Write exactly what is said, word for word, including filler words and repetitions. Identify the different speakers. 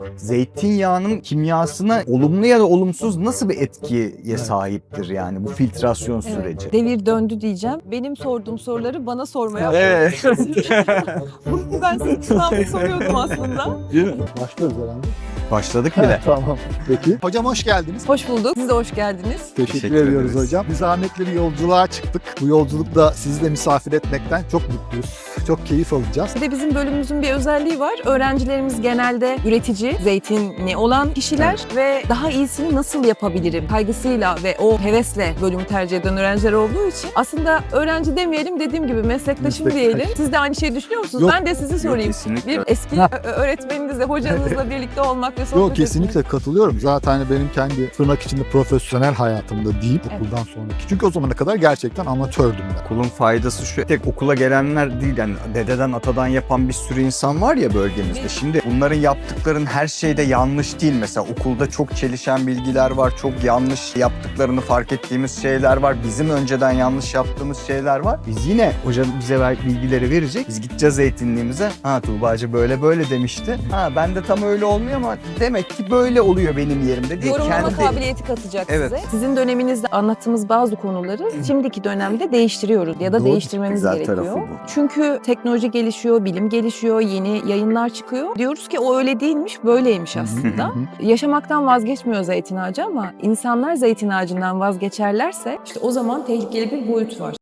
Speaker 1: Zeytinyağının kimyasına olumlu ya da olumsuz nasıl bir etkiye sahiptir yani bu filtrasyon süreci?
Speaker 2: Devir döndü diyeceğim. Benim sorduğum soruları bana sormaya
Speaker 1: Evet.
Speaker 2: Bunu ben size sınavda soruyordum aslında.
Speaker 3: Başlıyoruz herhalde.
Speaker 1: Başladık bile.
Speaker 3: Tamam. Peki. Hocam hoş geldiniz.
Speaker 2: Hoş bulduk. Siz de hoş geldiniz.
Speaker 3: Teşekkür,
Speaker 1: Teşekkür
Speaker 3: ediyoruz
Speaker 1: ederiz.
Speaker 3: hocam. Biz zahmetli bir yolculuğa çıktık. Bu yolculukta sizi de misafir etmekten çok mutluyuz. Çok keyif alacağız.
Speaker 2: Bir de bizim bölümümüzün bir özelliği var. Öğrencilerimiz genelde üretici, zeytinli olan kişiler ve daha iyisini nasıl yapabilirim kaygısıyla ve o hevesle bölümü tercih eden öğrenciler olduğu için aslında öğrenci demeyelim, dediğim gibi meslektaşım
Speaker 3: Meslektaş.
Speaker 2: diyelim. Siz de aynı şeyi düşünüyor musunuz?
Speaker 3: Yok.
Speaker 2: Ben de sizi sorayım.
Speaker 1: kesinlikle.
Speaker 2: Bir eski
Speaker 3: Ha.
Speaker 2: ö- öğretmeninizle, hocanızla birlikte olmak ve sohbet
Speaker 3: Yok, kesinlikle katılıyorum. Zaten benim kendi tırnak içinde profesyonel hayatımda değil,
Speaker 2: Evet.
Speaker 3: okuldan sonraki. Çünkü o zamana kadar gerçekten amatördüm ben.
Speaker 1: Okulun faydası şu, tek okula gelenler değil yani dededen atadan yapan bir sürü insan var ya bölgemizde.
Speaker 2: Evet.
Speaker 1: Şimdi bunların yaptıkların her şeyde yanlış değil. Mesela okulda çok çelişen bilgiler var, çok yanlış yaptıklarını fark ettiğimiz şeyler var. Bizim önceden yanlış yaptığımız şeyler var. Biz yine hoca bize ver- bilgileri verecek. Biz gideceğiz eğitimliğimize. Ha Tuğbacı böyle böyle demişti. Ha ben de tam öyle olmuyor ama demek ki böyle oluyor benim yerimde diye
Speaker 2: Yorumlama
Speaker 1: kendi...
Speaker 2: kabiliyeti katacak
Speaker 1: Evet.
Speaker 2: size. Sizin döneminizde anlattığımız bazı konuları şimdiki dönemde değiştiriyoruz ya da
Speaker 3: Doğru.
Speaker 2: değiştirmemiz
Speaker 1: Güzel
Speaker 2: gerekiyor.
Speaker 1: tarafı bu.
Speaker 2: Çünkü teknoloji gelişiyor, bilim gelişiyor, yeni yayınlar çıkıyor. Diyoruz ki o öyle değilmiş, böyleymiş aslında.
Speaker 3: hı.
Speaker 2: Yaşamaktan vazgeçmiyor zeytin ağacı ama insanlar zeytin ağacından vazgeçerlerse işte o zaman tehlikeli bir boyut var.